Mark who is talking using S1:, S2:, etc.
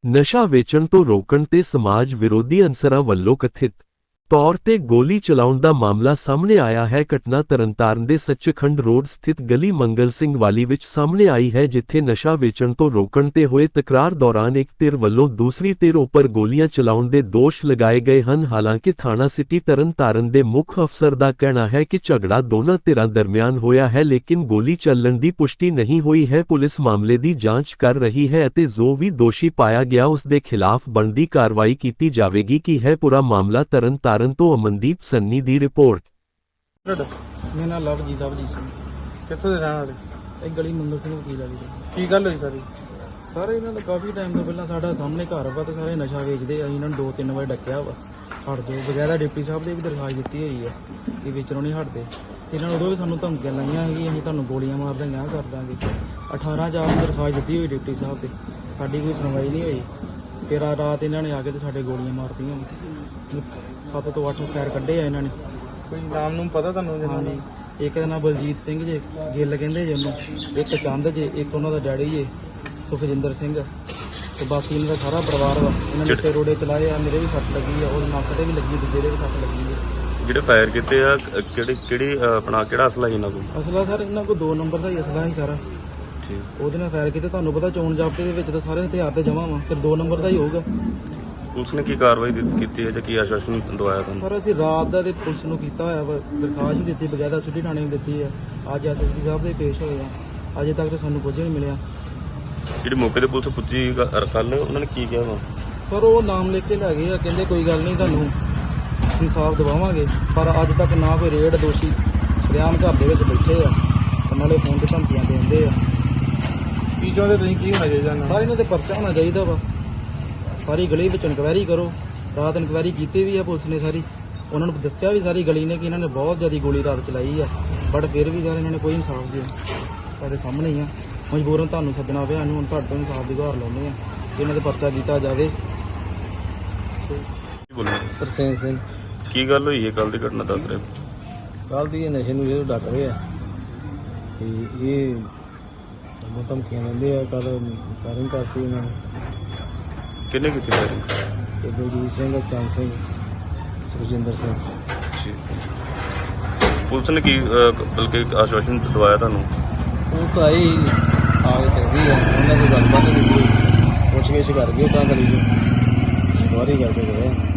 S1: ਨਸ਼ਾ ਵੇਚਣ ਤੋਂ ਰੋਕਣ ਤੇ ਸਮਾਜ ਵਿਰੋਧੀ ਅਨਸਰਾਂ ਵੱਲੋਂ ਕਥਿਤ ਤੌਰ ਤੇ ਗੋਲੀ ਚਲਾਉਣ ਦਾ ਮਾਮਲਾ ਸਾਹਮਣੇ ਆਇਆ ਹੈ। ਘਟਨਾ ਤਰਨਤਾਰਨ ਦੇ ਸੱਚਖੰਡ ਰੋਡ ਸਥਿਤ ਗਲੀ ਮੰਗਲ ਸਿੰਘ ਵਾਲੀ ਵਿੱਚ ਸਾਹਮਣੇ ਆਈ ਹੈ, ਜਿੱਥੇ ਨਸ਼ਾ ਵੇਚਣ ਤੋਂ ਰੋਕਣ ਤੇ ਹੋਏ ਤਕਰਾਰ ਦੌਰਾਨ ਇੱਕ ਧਿਰ ਵੱਲੋਂ ਦੂਸਰੀ ਧਿਰ ਉੱਪਰ ਗੋਲੀਆਂ ਚਲਾਉਣ ਦੇ ਦੋਸ਼ ਲਗਾਏ ਗਏ ਹਨ। ਹਾਲਾਂਕਿ ਥਾਣਾ ਸਿਟੀ ਤਰਨਤਾਰਨ ਦੇ ਮੁੱਖ ਅਫਸਰ ਦਾ ਕਹਿਣਾ ਹੈ ਕਿ ਝਗੜਾ ਦੋਨਾਂ ਧਿਰਾਂ ਦਰਮਿਆਨ ਹੋਇਆ ਹੈ, ਲੇਕਿਨ ਗੋਲੀ ਚੱਲਣ ਦੀ ਪੁਸ਼ਟੀ ਨਹੀਂ ਹੋਈ ਹੈ। ਪੁਲਿਸ ਮਾਮਲੇ ਦੀ ਜਾਂਚ ਕਰ ਰਹੀ ਹੈ ਅਤੇ ਜੋ ਵੀ ਦੋਸ਼ੀ ਪਾਇਆ ਗਿਆ ਉਸ ਦੇ ਖਿਲਾਫ ਬਣਦੀ ਕਾਰਵਾਈ ਕੀਤੀ ਜਾਵੇਗੀ। ਕੀ ਹੈ ਪੂਰਾ ਮਾਮਲਾ? ਤਰਨਤਾਰਨ ਤੋਂ ਅਮਨਦੀਪ ਸੰਨੀ ਦੀ ਰਿਪੋਰਟ।
S2: ਮੇਰਾ ਨਾਮ ਲਵਜੀਤ ਸਿੰਘ।
S3: ਕਿੱਥੋਂ ਦੇ ਰਹਿਣ ਵਾਲੇ?
S2: ਇਹ ਗਲੀ ਮੰਗਲ ਸਿੰਘ ਵਕੀਲ ਵਾਲੀ
S3: ਕੀ ਗੱਲ ਹੋਈ ਸਾਰੀ?
S2: ਸਾਰੇ ਇਹਨਾਂ ਦਾ ਕਾਫੀ ਟਾਈਮ ਤੋਂ ਪਹਿਲਾਂ ਸਾਡਾ ਸਾਹਮਣੇ ਘਰ ਵਾ ਤੇ ਸਾਰੇ ਨਸ਼ਾ ਵੇਚਦੇ ਆ। ਇਹਨਾਂ ਨੂੰ 2-3 ਵਾਰ ਡੱਕਿਆ ਵਾ, ਹਟ ਜਾਓ ਬਗੈਰਾ। ਡਿਪਟੀ ਸਾਹਿਬ ਦੇ ਵੀ ਦਰਖਾਸਤ ਦਿੱਤੀ ਹੋਈ ਆ ਕਿ ਵੇਚਣੋਂ ਨਹੀਂ ਹਟਦੇ। ਇਹਨਾਂ ਨੂੰ ਉਦੋਂ ਵੀ ਸਾਨੂੰ ਧਮਕੀਆਂ ਲਾਈਆਂ ਸੀ, ਅਸੀਂ ਤੁਹਾਨੂੰ ਗੋਲੀਆਂ ਮਾਰ ਦਾਂਗੇ, ਕਰ ਦਾਂਗੇ। 18/4 ਨੂੰ ਦਰਖਾਸਤ ਦਿੱਤੀ ਹੋਈ ਡਿਪਟੀ ਸਾਹਿਬ ਤੇ, ਸਾਡੀ ਕੋਈ ਸੁਣਵਾਈ ਨਹੀਂ ਹੋਈ। ਫਿਰ ਰਾਤ ਇਹਨਾਂ ਨੇ ਆ ਕੇ ਤੇ ਸਾਡੇ ਗੋਲੀਆਂ ਮਾਰਤੀਆਂ। 7 ਤੋਂ 8 ਫਾਇਰ ਕੱਢੇ ਆ ਇਹਨਾਂ ਨੇ।
S3: ਕੋਈ ਨਾਮ ਨੂੰ ਪਤਾ ਤੁਹਾਨੂੰ?
S2: ਹਾਂਜੀ, ਇੱਕ ਦਾ ਨਾਮ ਬਲਜੀਤ ਸਿੰਘ ਜੇ, ਗਿੱਲ ਕਹਿੰਦੇ ਜੇ ਉਹਨੂੰ, ਇੱਕ ਚੰਦ ਜੇ, ਇੱਕ ਉਹਨਾਂ ਦਾ ਡੈਡੀ ਜੇ ਸੁਖਜਿੰਦਰ ਸਿੰਘ, ਤੇ ਬਾਕੀ ਇਹਨਾਂ ਦਾ ਸਾਰਾ ਪਰਿਵਾਰ ਵਾ। ਇਹਨਾਂ ਨੇ ਤੇ ਰੋੜੇ ਚਲਾਏ ਆ। ਮੇਰੇ ਵੀ ਸੱਟ ਲੱਗੀ ਆ, ਉਹ ਨੱਕ ਤੇ ਵੀ ਲੱਗੀ, ਦੂਜੇ ਦੇ ਵੀ ਸੱਟ ਲੱਗੀ ਆ।
S4: ਜਿਹੜੇ ਫਾਇਰ ਕੀਤੇ ਆ ਕਿਹੜਾ ਅਸਲਾ ਸੀ ਇਹਨਾਂ ਕੋਲ?
S2: ਅਸਲਾ ਸਰ ਇਹਨਾਂ ਕੋਲ 2 ਨੰਬਰ ਦਾ ਹੀ ਅਸਲਾ ਸੀ ਸਾਰਾ। ਉਹਦੇ ਨਾਲ ਫਾਇਰ ਕੀਤੇ। ਤੁਹਾਨੂੰ ਪਤਾ ਚੋਣ ਜ਼ਾਬਤੇ ਦੇ ਵਿੱਚ ਤਾਂ ਸਾਰੇ ਹਥਿਆਰ ਤੇ ਜਮ੍ਹਾਂ ਵਾ, ਫਿਰ 2 ਨੰਬਰ ਦਾ ਹੀ ਹੋਊਗਾ।
S4: ਪੁਲਿਸ ਨੇ ਕੀ ਕਾਰਵਾਈ ਕੀਤੀ ਹੈ ਜਾਂ ਕੀ ਆਸ਼ਵਾਸਨ ਦਵਾਇਆ ਤੁਹਾਨੂੰ?
S2: ਪਰ ਅਸੀਂ ਰਾਤ ਦਾ ਤੇ ਪੁਲਿਸ ਨੂੰ ਕੀਤਾ ਹੋਇਆ ਵਾ, ਦਰਖਾਸਤ ਹੀ ਦਿੱਤੀ, ਬਗੈਰਾ ਸਿਟੀ ਥਾਣੇ ਨੂੰ ਦਿੱਤੀ ਹੈ। ਅੱਜ ਐਸਐਸਪੀ ਸਾਹਿਬ ਦੇ ਪੇਸ਼ ਹੋਏ ਆ। ਅਜੇ ਤੱਕ ਤਾਂ ਸਾਨੂੰ ਕੁਝ ਨਹੀਂ ਮਿਲਿਆ।
S4: ਜਿਹੜੀ ਮੌਕੇ ਤੇ ਪੁਲਿਸ ਪੁੱਜੀ ਕੱਲ, ਉਹਨਾਂ ਨੇ ਕੀ ਕਿਹਾ ਵਾ?
S2: ਸਰ ਉਹ ਨਾਮ ਲਿਖ ਕੇ ਲੈ ਗਏ ਆ, ਕਹਿੰਦੇ ਕੋਈ ਗੱਲ ਨਹੀਂ ਤੁਹਾਨੂੰ ਇਨਸਾਫ ਦਿਵਾਵਾਂਗੇ। ਪਰ ਅੱਜ ਤੱਕ ਨਾ ਕੋਈ ਰੇਡ, ਦੋਸ਼ੀ ਰਿਆਮ ਘਰ ਦੇ ਵਿੱਚ ਬੈਠੇ ਆ, ਨਾਲੇ ਫੋਨ ਤੇ ਧਮਕੀਆਂ ਦਿੰਦੇ ਆ।
S3: ਕੀ ਚਾਹੁੰਦੇ ਤੁਸੀਂ? ਕੀ ਹੋਣਾ ਚਾਹੀਦਾ?
S2: ਸਾਰੇ ਇਹਨਾਂ ਤੇ ਪਰਚਾ ਹੋਣਾ ਚਾਹੀਦਾ ਵਾ। ਸਾਰੀ ਗਲੀ ਵਿੱਚ ਇਨਕੁਆਇਰੀ ਕਰੋ। ਰਾਤ ਇਨਕੁਆਇਰੀ ਕੀਤੀ ਵੀ ਆ ਪੁਲਿਸ ਨੇ ਸਾਰੀ। ਉਹਨਾਂ ਨੂੰ ਦੱਸਿਆ ਵੀ ਸਾਰੀ ਗਲੀ ਨੇ ਕਿ ਇਹਨਾਂ ਨੇ ਬਹੁਤ ਜ਼ਿਆਦਾ ਗੋਲੀ ਰਾਤ ਚਲਾਈ ਆ, ਬਟ ਫਿਰ ਵੀ ਯਾਰ ਇਹਨਾਂ ਨੇ ਕੋਈ ਇਨਸਾਫ ਨਹੀਂ। ਸਾਡੇ ਸਾਹਮਣੇ ਹੀ ਆ। ਮਜਬੂਰਨ ਤੁਹਾਨੂੰ ਸੱਦਣਾ ਪਿਆ ਇਹਨੂੰ। ਹੁਣ ਤੁਹਾਡੇ ਤੋਂ ਇਨਸਾਫ ਦੀ ਗੁਹਾਰ ਲਾਉਂਦੇ ਆ ਕਿ ਇਹਨਾਂ ਤੇ ਪਰਚਾ ਕੀਤਾ ਜਾਵੇ।
S5: ਤਰਸੇਮ ਸਿੰਘ।
S4: ਕੀ ਗੱਲ ਹੋਈ ਹੈ? ਕੱਲ ਦੀ ਘਟਨਾ ਦੱਸ ਰਹੇ?
S5: ਕੱਲ ਦੀ ਨਸ਼ੇ ਨੂੰ ਇਹ ਡੱਕ ਰਹੇ ਆ ਤੇ ਇਹ ਬਹੁਤ ਧਮਕੀਆਂ ਦਿੰਦੇ ਆ। ਕੱਲ ਫਾਇਰਿੰਗ ਕਰਤੀ ਇਹਨਾਂ ਨੇ।
S4: ਕਿੰਨੇ ਕੀਤੀ ਫਾਇਰਿੰਗ?
S5: ਤੇ ਬਲਜੀਤ ਸਿੰਘ, ਚੰਦ ਸਿੰਘ, ਸੁਖਜਿੰਦਰ ਸਿੰਘ।
S4: ਪੁਲਿਸ ਨੇ ਕੀ ਬਲਕਿ ਆਸ਼ਵਾਸਨ ਦਵਾਇਆ ਤੁਹਾਨੂੰ?
S5: ਪੁਲਿਸ ਆਈ ਆ ਕੇ ਚੱਲਦੀ ਆ, ਉਹਨਾਂ ਦੀ ਗੱਲਬਾਤ ਕੀਤੀ, ਪੁੱਛ ਗਿੱਛ ਕਰ ਗਈ ਤਾਂ ਕਰੀ ਜੀ, ਸਵਾਰੀ ਕਰਕੇ ਗਏ।